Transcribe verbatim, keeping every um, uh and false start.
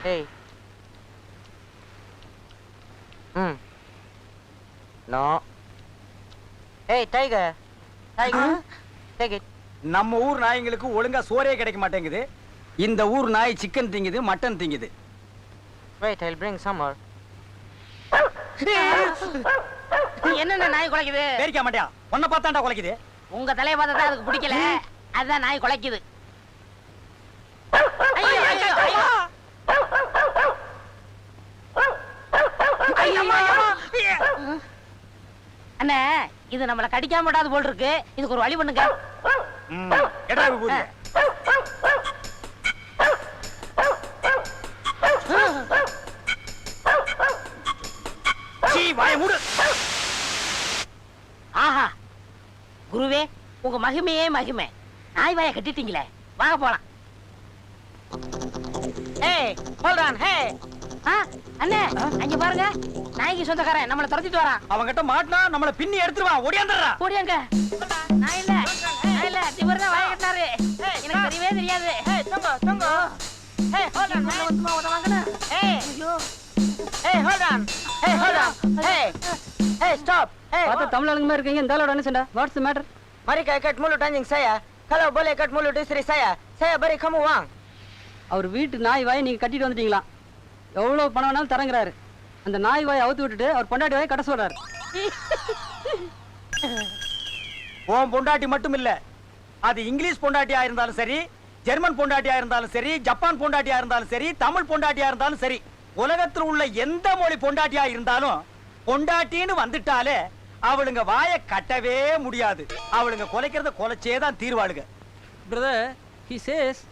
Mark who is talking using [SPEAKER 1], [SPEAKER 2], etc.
[SPEAKER 1] Hey. Hmm. No. Hey, tiger. Tiger. Take it.
[SPEAKER 2] நம்ம ஊர் நாய்ங்களுக்கு ஒழுங்கா சோறே கிடைக்க மாட்டேங்குது. இந்த ஊர் நாய் சிக்கன் திங்குது, மட்டன் திங்குது.
[SPEAKER 1] Wait, I'll bring some more.
[SPEAKER 3] என்னென்ன நாய் குலைக்குது?
[SPEAKER 2] பேரிக்க மாட்டியா? உன்னை பார்த்தாண்டா குலைக்குது.
[SPEAKER 3] உங்க தலைய பார்த்தா அதுக்கு பிடிக்கல. அதான் நாய் குலைக்குது. ஐயோ ஐயோ ஐயோ. அண்ணே, இது நம்மள கடிக்காம விடாது போல் இருக்கு. இதுக்கு ஒரு வழி பண்ணுங்க.
[SPEAKER 2] ம், எடா விபூதி. சீ, வாயை மூடு.
[SPEAKER 3] ஆஹா, குருவே, உங்க மகிமையே மகிமை. நாய் வாயை கட்டிட்டீங்களே, வாங்க போலாம்.
[SPEAKER 1] Hey, hold on. Hey.
[SPEAKER 3] ஆ, அண்ணே, அங்க பாருங்க. நாய்க்கு சொந்தக்காரன் நம்மள துரத்திட்டு வரான்.
[SPEAKER 2] அவன்கிட்ட மாட்டினா நம்மள பின்னி எடுத்துருவான். ஓடியாந்துடுறா.
[SPEAKER 3] ஓடியாங்க. நான் இல்ல, நான் இல்ல. இவர் தான் வாயை கட்டினாரு. எனக்கு தெரியவே தெரியாது.
[SPEAKER 1] Hey, tunggu, tunggu. Hey, hold on.
[SPEAKER 3] உள்ள வந்துமா உத வாங்கனா?
[SPEAKER 1] Hey.
[SPEAKER 3] ஐயோ.
[SPEAKER 1] Hey, hold on. Hey, hold on. Hey. Hey, stop. Hey.
[SPEAKER 4] பார்த்தா தமிழ் ஆளுங்க மாதிரி இருக்கீங்க. இந்த ஆளோட என்ன சண்டை? What's the matter?
[SPEAKER 1] Mari kau ikat mulut anjing saya. Kalau boleh ikat mulut istri saya, saya beri kamu uang.
[SPEAKER 4] அவர் வீட்டு நாய் வாயை நீங்க கட்டிட்டு வந்துட்டீங்களா? எவ்வளவு பணம் வேணாலும் தரங்குறாரு. அந்த நாய் வாயை அவுத்து விட்டுட்டு அவர் பொண்டாட்டி வாயை கட்ட சொல்றாரு.
[SPEAKER 2] உன் பொண்டாட்டி மட்டும் இல்ல, அது இங்கிலீஷ் பொண்டாட்டியா இருந்தாலும் சரி, ஜெர்மன் பொண்டாட்டியா இருந்தாலும் சரி, ஜப்பான் பொண்டாட்டியா இருந்தாலும் சரி, தமிழ் பொண்டாட்டியா இருந்தாலும் சரி, உலகத்தில் உள்ள எந்த மொழி பொண்டாட்டியா இருந்தாலும் பொண்டாட்டின்னு வந்துட்டாலே அவளுங்க வாயை கட்டவே முடியாது. அவளுங்க கொலைக்கிறத கொலைச்சே தான் தீர்வாளுங்க.
[SPEAKER 4] Brother, he says